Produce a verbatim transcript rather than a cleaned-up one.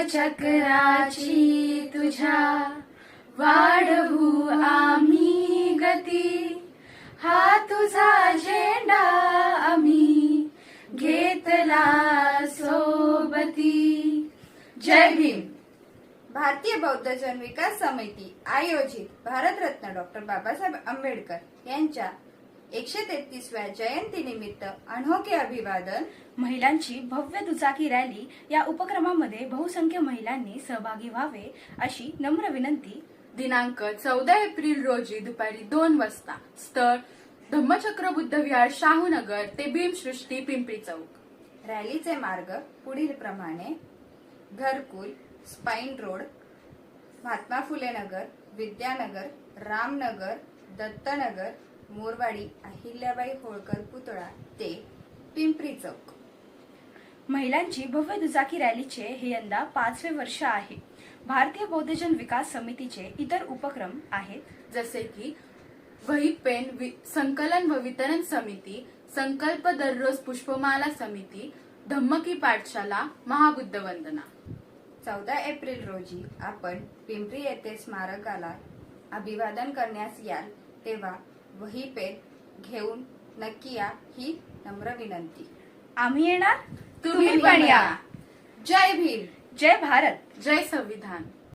चक्राची तुझ्या वाढवू आम्ही गती, हा तुझा झेंडा आम्ही घेतला सोबती. जय भीम. भारतीय बौद्ध जन विकास समिती आयोजित भारतरत्न डॉक्टर बाबासाहेब आंबेडकर यांच्या एकशे तेहतीसव्या जयंती निमित्त अनोखे अभिवादन. महिलांची भव्य दुचाकी रॅली या उपक्रमामध्ये बहुसंख्य महिलांनी सहभागी व्हावे अशी नम्र विनंती. दिनांक चौदा एप्रिल रोजी दुपारी दोन वाजता. स्थळ धम्मचक्र बुद्ध विहार, शाहूनगर ते भीमसृष्टी, पिंपरी चौक. रॅलीचे मार्ग पुढील प्रमाणे: घरकुल, स्पाईन रोड, महात्मा फुले नगर, विद्यानगर, रामनगर, दत्तनगर, मोरवाडी, अहिल्याबाई होळकर पुतळा ते पिंपरी चौक. महिलांची भव्य दुचाकी रॅलीचे हे यंदा पाचवे वर्ष आहे. भारतीय बौद्धजन विकास समितीचे इतर उपक्रम आहेत, जसे की वही पेन संकलन व वितरण समिती, संकल्प दररोज पुष्पमाला समिती, धम्मकी पाठशाला, महाबुद्ध वंदना. चौदा एप्रिल रोजी आपण पिंपरी येथे स्मारकाला अभिवादन करण्यास याल, तेव्हा वही पेन घेऊन नक्की या ही नम्र विनंती. आम्ही येणार, तुम्ही पण या. जय भीम. जय भारत. जय संविधान.